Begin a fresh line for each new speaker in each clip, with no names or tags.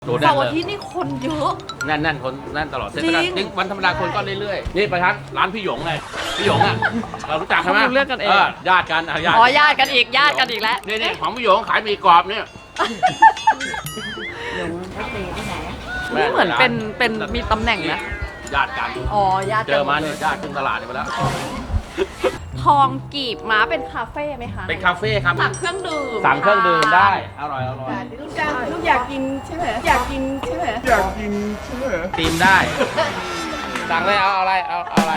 เสาร์อาทิตย์นี่คนเยอะ
นั่นคนนั่นตลอดเทศกาลจริงวันธรรมดาคนก็เรื่อยๆนี่ไปทักร้านพี่หยงไงพี่หยงอ่ะเรารู้จักใช่ไหม
เลือกกันเอง
ญาติกันญาติ
อ๋อญาติกันอีกแล้ว
นี่ของพี่หยงขายหมี่กรอบเนี่ย
หยงเขาเตะที่ไหน
นี่เหมือนเป็นมีตำแหน่งนะ
ญาติกัน
อ๋อญาติ
เจอมาเนี่ยญาติขึ้นตลาดไปแล้ว
ทองกีบม้าเป็นคาเฟ่ไหมคะ
เป็นคาเฟ่ครับ
สั่งเครื่องดื่ม
สั่งเครื่องดื่มได้อร่อย
ลูกอยากกินใช่ไหมอยากกินใช่ไหม
ตีมได้สั่งเลยเอาอะไรเอาอะไร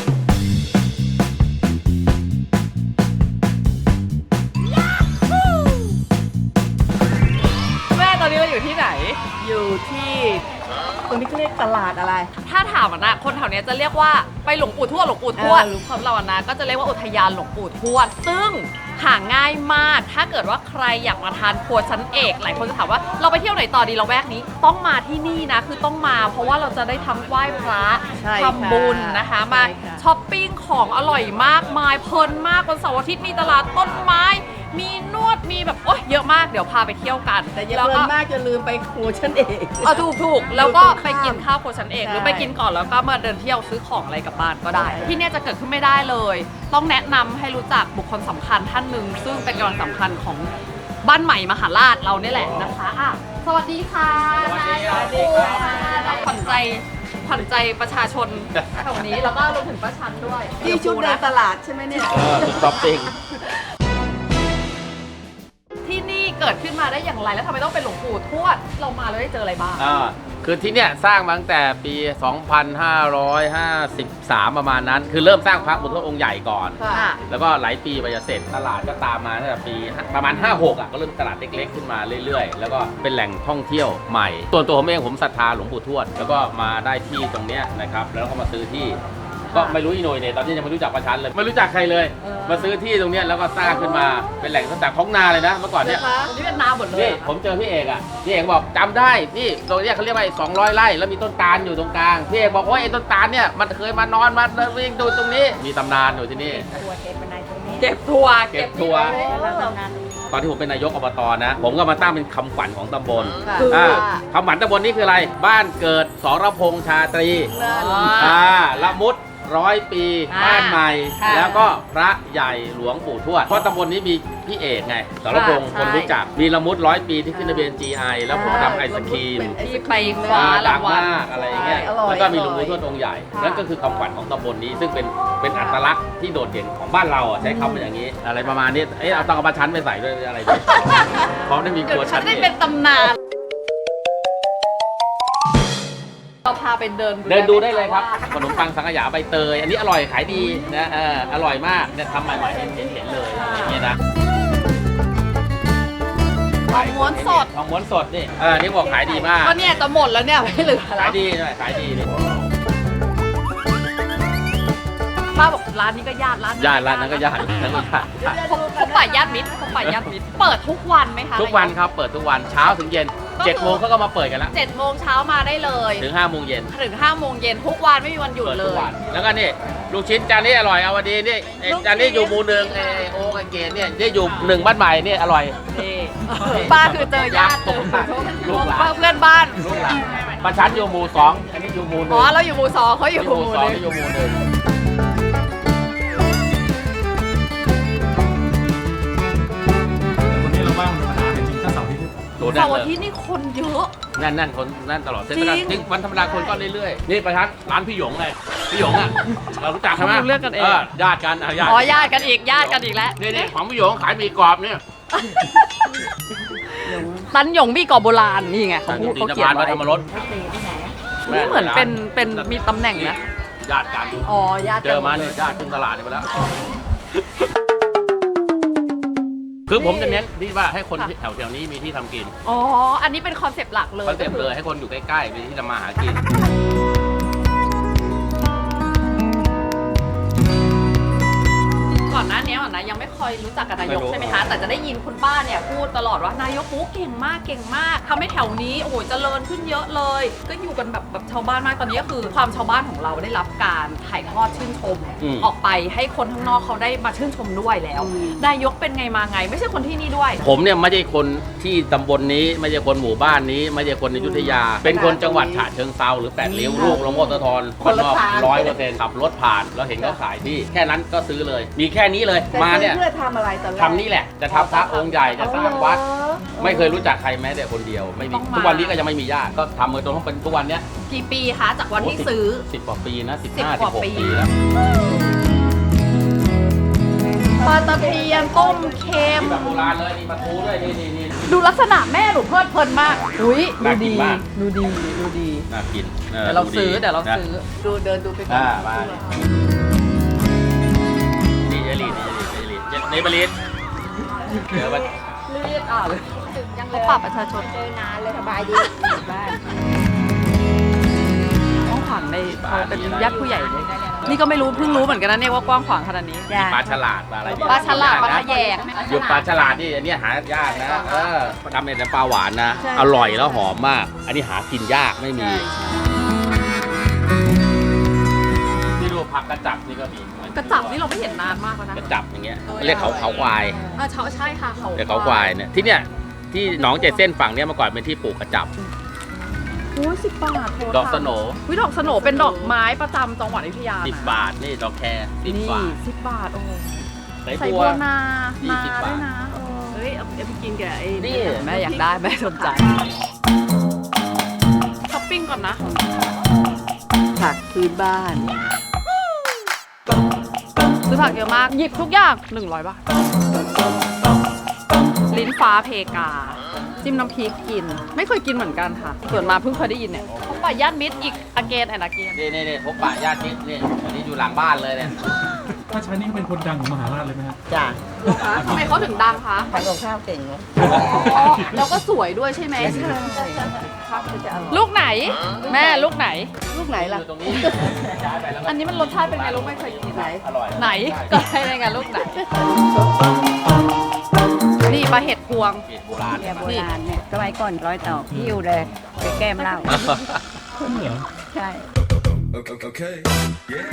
แม่ตอนนี้เราอยู่ที่ไหน
อยู่ที่ตรงนี้เขาเรียกตลาดอะไร
ถ้าถามนะคนแถวเนี้ยจะเรียกว่าไปหลวงปู่ทวดของเราอะนะก็จะเรียกว่าอุทยานหลวงปู่ทวดซึ่งหาง่ายมากถ้าเกิดว่าใครอยากมาทานครัวชั้นเอกหลายคนจะถามว่าเราไปเที่ยวไหนต่อดีเราแวกนี้ต้องมาที่นี่นะคือต้องมาเพราะว่าเราจะได้ทั้งไหว้พระ
ใช่ค่ะ
ทำบุญนะคะมา
ใช่ค่ะ
ช้อปปิ้งของอร่อยมากมายเพลินมากวันเสาร์อาทิตย์มีตลาดต้นไม้มีนวดมีแบบโอ๊ยเยอะมากเดี๋ยวพาไปเที่ยวกัน
แต่อย่า
แล้ว
เพลิ
ก็
นมากจะลืมไปครัวฉันเอง
ถูกแล้วก็
อยู่ตรงข้าม
ไปกินข้าวโครัวชั้นเอก
ใช่
หรือไปกินก่อนแล้วก็มาเดินเที่ยวซื้อของอะไรกลับบ้านก็ได้ ที่เนี่ยจะเกิดขึ้นไม่ได้เลย ต้องแนะนำให้รู้จักบุคคลสำคัญท่านหนึ่งซึ่งเป็นกำลังสำคัญของบ้านใหม่มหาราชเราเนี่ยแหละนะคะอ่ะสวัสดีค่ะ
สวัสดีครับ
ขวัญใจประชาชนแถวนี้แล้วก็รวมถึงประชันด้วย
ที่ชุดเดินตลาดใช่ไหมเนี่ย
ต๊อปปิ้ง
ที่นี่เกิดขึ้นมาได้อย่างไรแล้วทำไมต้องเป็นหลวงปู่ทวดเรามาแล้วได้เจออะไรบ้าง
คือที่เนี่ยสร้างมาตั้งแต่ปี 2553 ประมาณนั้น คือเริ่มสร้างพระบุตรองค์ใหญ่ก่อน
ค่ะ
แล้วก็หลายปีไปจะเสร็จตลาดก็ตามมาตั้งแต่ปีประมาณ 56 ก็เริ่มตลาดเล็กๆขึ้นมาเรื่อยๆ แล้วก็เป็นแหล่งท่องเที่ยวใหม่ส่วนตัวผมเองผมศรัทธาหลวงปู่ทวด แล้วก็มาได้ที่ตรงเนี้ยนะครับแล้วก็มาซื้อที่ก็ไม่รู้อีโหน่ยเนี่ยตอนนี้ยังไม่รู้จักประชันเลยไม่รู้จักใครเลย มาซื้อที่ตรงเนี้ยแล้วก็สร้างขึ้นมาเป็นแหล่งตั้งแต่ท้องนาเลยนะเมื่อก่อนเนี่ย
นี่เป็นนาหมดเลย
นี่ผมเจอพี่เอกพี่เอกบอกจำได้พี่ตรงเนี้ยเขาเรียกว่า200 ไร่แล้วมีต้นตาลอยู่ตรงกลางพี่เอกบอกว่าไอ้ต้นตาลเนี่ยมันเคยมานอนมาวิ่งดูตรงนี้มีตำนานอยู่ที่นี่
ตัวเทปเป็นนายตรงนี้
เก็บทัวร์
เก็บทัวร์
แล้วทำงาน
ตอนที่ผมเป็นนายกอบตนะผมก็มาตั้งเป็นคำขวัญของตำบล
คือ
คำขวัญตำบลนี่คืออะไรบ้านเกิดสรพงษ์ชาตรีละมุด100 ปีบ้านใหม่ แล้วก็พระใหญ่หลวงปู่ทวดเพราะตำบลนี้มีพี่เอกไงสรพงษ์คนรู้จักมีละมุด100 ปีที่ขึ้นทะเบียน GI แล้วผมทำไอศครีม
ที่ไปคว้า
ดั
ราง
ง
วัล
มากอะไรอย่างเงี้ย
อร่อย
แล้วก็มีหลวงปู่
อร่อย
ทวดองค์ใหญ่นั่นก็คือคำขวัญของตำบลนี้ซึ่งเป็นอัตลักษณ์ที่โดดเด่นของบ้านเราใช้คำว่าอย่างนี้ อะไรประมาณนี้เอาต้องเอามาชั้นไปใส่ด้วยอะไรด้วยเพราะได้มีค
เดี๋ย
รั
ว
ว
ฉั
ชั้
น
น
ได้
เอ
เป็น
ง
ตำนานเราพาไปเดิน
เดินดูได้เลยครับขนมปังสังขยาใบเตย อันนี้อร่อยขายดีนะอร่อยมากเนี่ยทำใหม่ๆเห็นเลยอย่างเงี้ยนะ
ทองม้วนสด
ทองม้วนสดนี่นี่บอกขายดีมาก
ก็เนี่ยจะหมดแล้วเนี่ยไม่เหลือแล้
ขายว ดีหน่อยขายดีนี่
ป้าบอกร้านนี้ก็ญาติร้าน
ญาติร้านนั้นก็ญาตินั้นก็ญาติ
พบป่าญาติมิตรเปิดทุกวันไหมคะ
ทุกวันครับเปิดทุกวันเช้าถึงเย็น 7 โมงเขาก็มาเปิดกันแล้ว
7 โมงเช้ามาได้เลย
ถึง 5 โมงเย็น
ถึง 5 โมงเย็นทุกวันไม่มีวันหยุด
เปิด
เล
ทุก
ย
วันแล้วก็นี่ลูกชิ้นจานนี้อร่อยเอาวันดีนี่จานนี้อยู่หมู่หนึ่งโอ้กเกตเนี่ยนี่อยู่1บ้านใหม่นี่อร่อย
นี่ป้าคือเจอญาติ
ลูกหลาน
เพื่อนบ้าน
ลูกหลานประชันอยู่หมู่2อันนี้อยู่หมู่1
อ๋อเราอยู่หมู่ 2เขาอยู่หมู่
2
1
นี่อยู่หมู่1
วันนี้เราว่างธรรมดาจริงๆถ้าเสาร์อาทิตย์
เสาร์อาทิตย์นี่คนเยอะ
นั่นคนนั่นตลอดเทศกาล
จริง
จริงวันธรรมดาคนก็เรื่อยๆนี่ประชันร้านพี่หยงไงพี่หยงเรารู้จักใช่ไหม
เลือกกันเอง
ญาติกันญาติ
อ๋อญาติกันอีกแล้ว
นี่ของพี่หยงขายหมี่กรอบเนี่ย
ตันหยงบี้กรอบโบราณนี่ไงเขาพูด
ตี
เขา
น
เขียน
มา
ไว้
ธรรมรส
เขาเตะที่ไหน
นี่เหมือนเป็นมีตำแหน่งนะ
ญาติกัน
อ๋อญาติ
เจอมาเนี่ยญาติขึ้นตลาดไปแล้ว คือผมจะเน้นที่ว่าให้คนแถวๆนี้มีที่ทำกิน
อ๋ออันนี้เป็นคอนเซปต์หลักเลย
คอนเซ็ปต์เลยให้คนอยู่ใกล้ๆมีที่ทำมาหากิน
ก่อนอนหน้านี้นะยังไม่เคยรู้จักกับนายกใช่ไหมคะแต่จะได้ยินคุณป้าเนี่ยพูดตลอดว่านายกเก่งมากเก่งมากทำให้แถวนี้โอ้โหเจริญขึ้นเยอะเลย ก็อยู่กันแบบชาวบ้านมากตอนนี้ก็คือความชาวบ้านของเราได้รับการถ่ายทอดชื่นชมออกไปให้คนข้างนอกเขาได้มาชื่นชมด้วยแล้วนายกเป็นไงมาไงไม่ใช่คนที่นี่ด้วย
ผมเนี่ยไม่ใช่คนที่ตำบลนี้ไม่ใช่คนหมู่บ้านนี้ไม่ใช่คนอยุธยา เป็นคนจังหวัดฉะเชิงเทราหรือ8ริ้วลูกหลวงพ่อโสธรคนนอก100%ขับรถผ่านแล้วเห็นเขาขายที่แค่นั้นก็ซื้อเลย มีแค่นี้เลยมาเนี่ย
เพื่อทำอะไรตอนแรก
ทำนี่แหละจะทำพระองค์ใหญ่จะสร้างวัด ไม่เคยรู้จักใครแม้แต่คนเดียวไม่มี
ต้องมา
ทุกวันนี้ก็ยังไม่มีญาติก็ทำมาจนเป็นทุกวันเนี้ย
กี่ปีคะจากวันที่ซื้อ
10 กว่าปีนะ15
10 กว่าปี
16 ปีแล้ว
ปลาตะเพียนต้มเค็ม
นี่แบบโบราณเลยนี่มาทูด้วยนี่
ดูลักษณะแม่หนูเพลิดเพลินมากอุ้ย
น่ากินมาก
ดูดีดูดี
น่ากิน
เดี๋ยวเราซื้อ
นะ
ดูเดินดูไปก่อน
มานี่เจลีนี่บริษเดี๋ยวมัน
เรียกเลยเขาปรับประชาชน
เจอนานเลยสบายดีบ้าน
กว้างขวางในเขาเป็นญาติผู้ใหญ่เลยนี่ก็ไม่รู้เพิ่งรู้เหมือนกันนะเนี่ยว่ากว้างขวางขนาดนี้
มีปลาฉลาดปลาอะไร
ปลาฉลาดปลาทะแยง
อยู่ปลาฉลาดนี่อันนี้หายากนะทำเป็นน้ำปลาหวานนะอร่อยแล้วหอมมาก อันนี้หากินยากไม่มีที่ดูผักกระจับนี่ก็มี
กระจับนี่เราไม่เห็นนานมากแล้วนะ
กระจับอย่างเงี้ยเรียกเขาควาย
ใช่ค่ะเขา
เรียกเขาควายเนี่ยที่เนี่ยที่หนองเจเส้นฝั่งเนี้ยเมื่อก่อนเป็นที่ปลูกกระจับ
โอ้10 บาท
ดอกสโหน
ดอกสโหนเป็นดอกไม้ประจำจังหวัดอยุธยานะ
10 บาทนี่ดอกแคร์10 บาท
10 บาทโอ้
ใส่
ใส่
บั
บั
ว
วนา
20 บาท
ด้วยนะ
เฮ้ยเอาไปกินกับไอ้
นี่
แม่อยากได้แม่สนใจช้อปปิ้งก่อนนะ
ผักพื้นบ้าน
ซื้อผักเยอะมากหยิบทุกอย่าง100 บาทลิ้นฟ้าเพกา จิ้มน้ำพริกกิน ไม่เคยกินเหมือนกันค่ะ ส่วนมาเพิ่งเคยได้ยินเนี่ยเขาป่าย่านมิตรอีกอเกนแอนอเกน
นี่พบปะญาติมิตรนี่อันนี้อยู่หลังบ้านเลยเนี่ย
ถ้าใช้นี่เป็นคนดังของมหาราชเลยไหมฮะ
จ้ะ
ทำไมเขาถึงดังคะ
ทำกับข้าวเก่งเนาะ
อ๋อแล้วก็สวยด้วยใช่ไหม
ข้าวก็จะอร่อย
ลูกไหน แม่ลูกไหน
ลูกไหนล่ะ
อยู่ตรงนี้ย้ายไปแล้วก็
อันนี้มันรสชาติเป็นไงลูกไม่เคยกินไหน
อร่อย
ไหนก็ให้ในงานลูกไหน นี่ปลาเห็ดพวง
เห็ดโบราณ
เนี่ยโบราณเนี่ยสมัยก่อน100 ตอกหิ้วเลยไปแก้มเหล้า
เหรอ
ใช่
Okay. Yeah.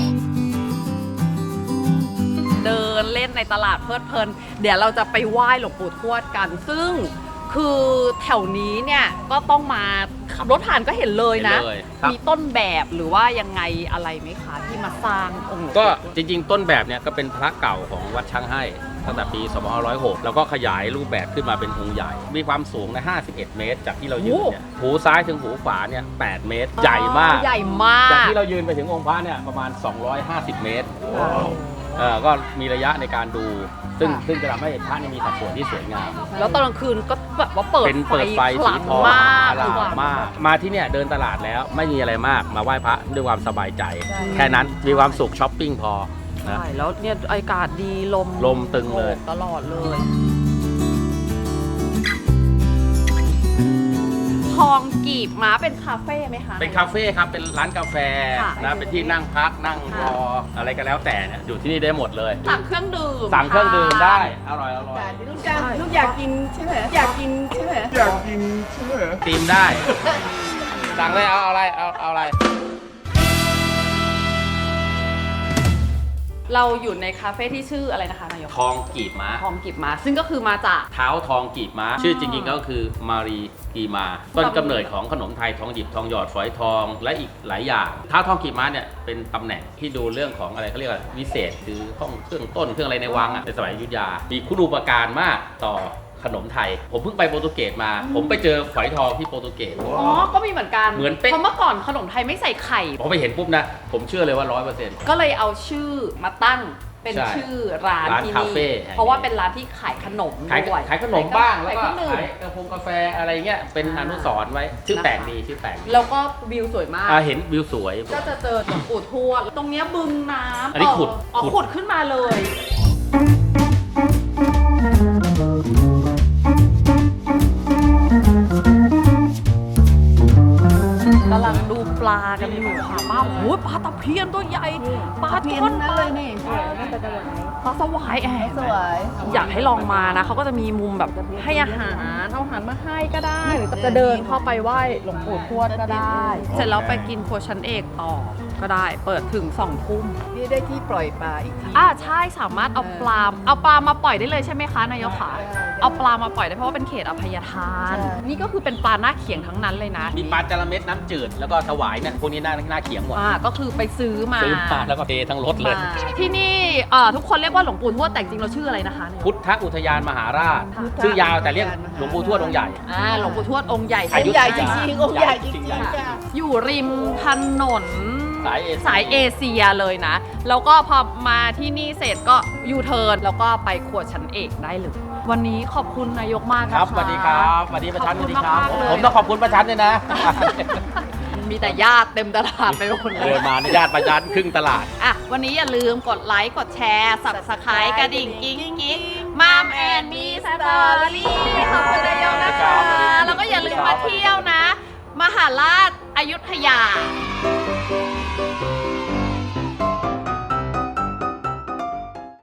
เดินเล่นในตลาดเพลิดเพลิน เดี๋ยวเราจะไปไหว้หลวงปู่ทวดกัน ซึ่งคือแถวนี้เนี่ยก็ต้องมาขับรถผ่านก็เห็นเลยนะ
เห็นเลยครับ
มีต้นแบบหรือว่ายังไงอะไรไหมคะที่มาสร้างองค์หลวงปู่
ก็จริงๆ ต้นแบบเนี่ยก็เป็นพระเก่าของวัดช้างให้ตั้งแต่ปี2506แล้วก็ขยายรูปแบบขึ้นมาเป็นองค์ใหญ่ มีความสูงนะ51 เมตร จากที่เรายืนเนี่ยหูซ้ายถึงหูขวาเนี่ย8 เมตร ใหญ่มาก
ใหญ่มา
จาก
ก
ที่เรายืนไปถึงองค์พระเนี่ยประมาณ 250 เมตรก็มีระยะในการดู ซึ่งจะทำให้พระนี่มีสัดส่วนที่สวยงาม
แล้วตอนกลางคืนก็แบบว่าเปิด
เป็นเปิดไฟ
ข
สี
ลัง
ทอง
มาก
อลามมาก มาที่เนี่ยเดินตลาดแล้วไม่มีอะไรมากมาไหว้พระด้วยความสบายใจ แค่นั้นมีความสุขช้อปปิ้งพอนะ
ใช่แล้วเนี่ยอากาศดีลม
ตึงเลย
ตลอดเลย ทองกีบม้าเป็นคาเฟ่ไหมคะ
เป็นคาเฟ่ครับ เป็นร้านกาแฟ
ค่ะ
นะ เป็นที่นั่งพักนั่งรออะไรก็แล้วแต่เนี่ยอยู่ที่นี่ได้หมดเลย
สั่งเครื่องดื่ม
สั่งเครื่องดื่มได้ อร่อย
ลูกอยากกินใช่ไหมอยากกินใช่ไหม
ตีมได้ สั่งเลยเอาอะไรเอาอะไร
เราอยู่ในคาเฟ่ที่ชื่ออะไรนะคะนายก
ทองกีบม้า
ทองกีบม้าซึ่งก็คือมาจาก
เท้าทองกีบม้า ชื่อจริงๆก็คือมารีกีมา ต้นกำเนิดของขนมไทยทองหยิบทองหยอดฝอยทองและอีกหลายอย่างเท้าทองกีบม้าเนี่ยเป็นตำแหน่งที่ดูเรื่องของอะไรเขาเรียกว่าวิเศษคือห้องเครื่องต้นเครื่องอะไรในวังในสมัยอยุธยา มีคุณูปการมากต่อขนมไทย ผมเพิ่งไปโปรตุเกสมา ผมไปเจอฝอยทองที่โปรตุเกส
อ๋อ ก็มีเหมือนกัน
เหมือนเป๊ะ
เพราะเมื่อก่อนขนมไทยไม่ใส่ไข่
พอไปเห็นปุ๊บนะ ผมเชื่อเลยว่า 100%
ก็เลยเอาชื่อมาตั้งเป็น
ใช่
ชื่อร้าน
ร้าน
ที่
คา
นี่
เฟ่แห่งนี้
เพราะว่าเป็นร้านที่ขายขนม
ขาย
ด้วย
ขายขนมบ้างแล้วก็
ขายเครื่องดื่ม
ขายกาแฟอะไรเงี้ยเป็นอนุสรณ์ไว้ชื่อแปลกดีชื่อแปลกดี
แล้วก็วิวสวยมาก
เห็นวิวสวย
ก็จะเจอหลวงปู่ทวดตรงเนี้ยบึงน้ำ
อันนี้ขุด
อ๋อ
ขุด
ขุดขึ้นมาเลยกำลังดูปลากันอยู่ค่ะป้าโอ้โหปลาตะเพียนตัวใหญ่ปลา
เพียน
ช่อน
นั่
ป
น
ลา
เลยนี่น่าจะกระโดดไหน
เขาสวายสวย อยากให้ลองมานะเขาก็จะมีมุมแบบให้อาหารเอาอาหารมาให้ก็ได้หรือจะเดินเข้าไปไหว้หลวงปู่ทวดก็ได้ เสร็จแล้วไปกินครัวชั้นเอกต่อก็ได้เปิดถึง2 ทุ่ม
นี่ได้ที่ปล่อยปลาอีกที
ใช่สามารถเอาปลามาปล่อยได้เลยใช่ไหมคะนายกขาเอาปลามาปล่อยได้เพราะว่าเป็นเขตอภัยทาน นี่ก็คือเป็นปลาหน้าเขียงทั้งนั้นเลยนะ
มีปลาจาระเม็ดน้ำจืดแล้วก็ถวายเนี่ยพวกนี้หน้าเขียงหมด
ก็คือไปซื้อมา
ซื้อมาแล้วก็เททั้งรถเลย
ที่นี่ทุกคนเรียกว่าหลวงปู่ทวดแต่จริงเราชื่ออะไรนะคะเนี่ย
พุทธอุทยานมหาราช ชื่อยาวแต่เรียกหลวงปู่ทวดองค์ใหญ่
หลวงปู่ทวดองค์ใหญ่
อายุ
ใหญ่จริงๆองค์ใหญ่จริง
ใหญ่
ๆค่ะ
อยู่ริมถนน
สายเอเชีย
สายเอเชียเลยนะ แล้วก็พอมาที่นี่เสร็จก็ยูเทิร์นแล้วก็ไปครัวชั้นเอกได้เลย วันนี้ขอบคุณนายกมากนะคะ
ครับสวัสดีครับสวัสดีประชัน
ข
ส
อบ
วัส
คุ
ดี
ณ
ครับ
มากๆเลย
ผมต้องขอบคุณประชันด้วยนะ
มีแต่ญาติเต็มตลาดไปหมดเล
เดิ
ย
นมาในญาติประชันครึ่งตลาด
วันนี้อย่าลืมกดไลค์กดแชร์สับสไครต์กระดิ่งกิ๊งกิ๊งมามแอนมีสตอรี่ขอบคุณนายกนะคะ แล้วก็อย่าลืมมาเที่ยวนะ มหาราชอยุธยา